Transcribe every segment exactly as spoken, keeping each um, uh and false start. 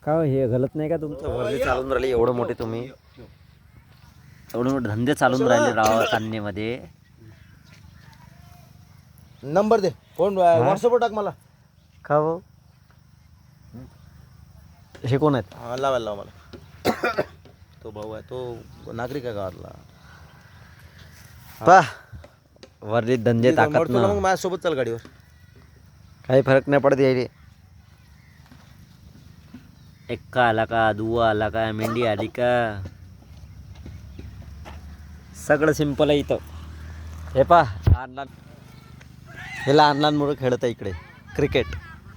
का हो, हे गलत नाही का तुमचं? वर्दी चालून राहिले एवढं मोठे तुम्ही, एवढे मोठे धंदे चालून राहिले राव कान्नेमध्ये. नंबर दे, फोन व्हॉट्सअपवर टाक मला. का हो, हे कोण आहेत? हा लावायला लावा मला. तो भाऊ आहे, तो नागरिक आहे गावातला. पा वर्दीत धंदे ताकद मरतो ना ना, मग माझ्यासोबत चल गाडीवर. काही फरक नाही पडत यायले. एक्का आला का, दुवा आला का, मेंढी आली का, सगळं सिंपल आहे इथं. हे पा लहान लहान, हे लहान लहान मुलं खेळत आहे इकडे क्रिकेट.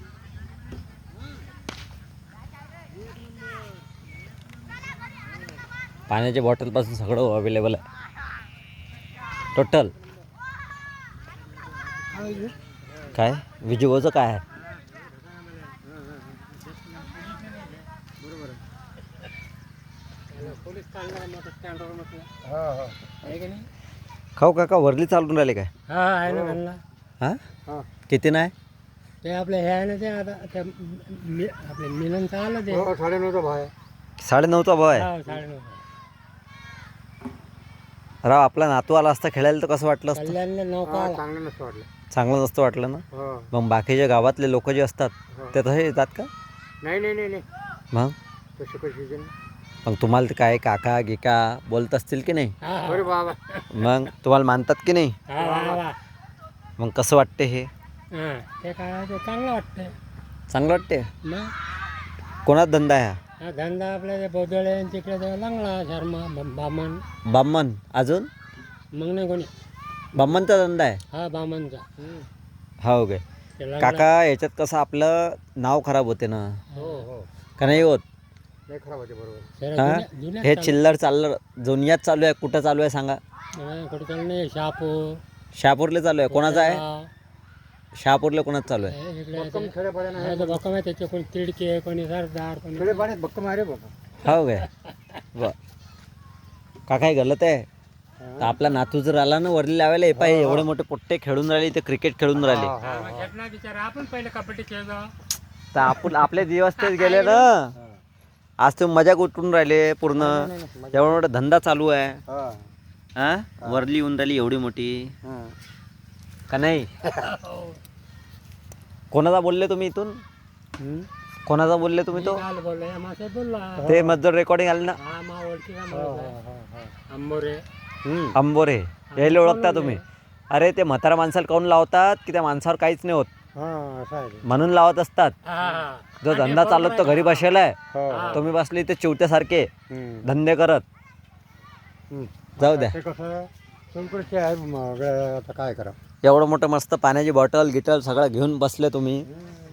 पाण्याच्या बॉटलपासून सगळं अवेलेबल आहे टोटल. काय विजिओचं काय आहे? खाऊ काका वर्ली चालून राहिले काय? हा आहे ना घालला. हा हा किती नाही? ते आपलं हे आहे ना ते आता त्या मि- आपल्या मिलनचं आलं ते साडेनऊचा भाव आहे. साडेनऊचा भाव आहे. हा साडेनऊ राव आपला नातू आला असता खेळायला तर कसं वाटलं असतं? कल्याणला नौका आला. चांगलं नसतं वाटलं. चांगलं नसतं वाटलं ना. हो. मग बाकीच्या गावातले लोक जे असतात ते तसे येतात का? नाही नाही नाही नाही मग तसं कशी मग तुम्हाला ते काय काका गिका बोलत असतील की नाही? अरे बाबा मग तुम्हाला मानतात की नाही? हा बाबा मग कसं वाटते हे? हा ते काय ते चांगलं वाटतं. चांगलं वाटते. मग कोणाचा धंदा आहे हा? हा धंदा आपल्या ते बोदळे आणि तिकडे ते लागला शर्मा ब- बामण. बामण अजून? मग नाही कोणी. बामणचा धंदा आहे. हा बामणचा. हो काय ते लागला. काका, याच्यात कसं आपलं नाव खराब होते ना, हो हो का नाही होत? नाही खराब होते बरोबर. जरा हा जुन्या- जुन्यात हे चालू. चिल्लर चाललं जुनियात चालू आहे. कुठं चालू आहे सांगा? हा, कुठे चालू नाही. शहापूर शहापूरला चालू आहे. कोणाचा आहे? शहापूरला कोणाचं चालू आहे? भक्कम आहे त्याचे. कोणी तिडके, कोणी सरदार, कोणी भक्कम आहे रे बाबा. हो काय ब काका हे गलत आहे. तर आपला नातू जर आला ना वरली लावायला, हे पाहिजे एवढे मोठे पोट्टे खेळून राहिले, ते क्रिकेट खेळून राहिले. आपण पहिले कबड्डी खेळलो. तर आपण आपले दिवस तेच गेले ना. आज तुम्ही मजा उठून राहिले पूर्ण. एवढा मोठा धंदा चालू आहे. हा वरली येऊन राहिली एवढी मोठी का नाही? कोणाचा बोलले तुम्ही इथून? कोणाचा बोलले तुम्ही? तो ते मजदूर रेकॉर्डिंग आले ना. आंबोरे अंबोरे यायला ओळखता तुम्ही? अरे ते म्हातारा माणसाला काऊन लावतात की त्या माणसावर काहीच नाही होत म्हणून लावत असतात. जो धंदा चालत तो घरी बसेला आहे, तुम्ही बसले ते चिवट्यासारखे धंदे करत. जाऊ द्या. काय करा. एवढं मोठं मस्त पाण्याची बॉटल गिटल सगळं घेऊन बसले तुम्ही.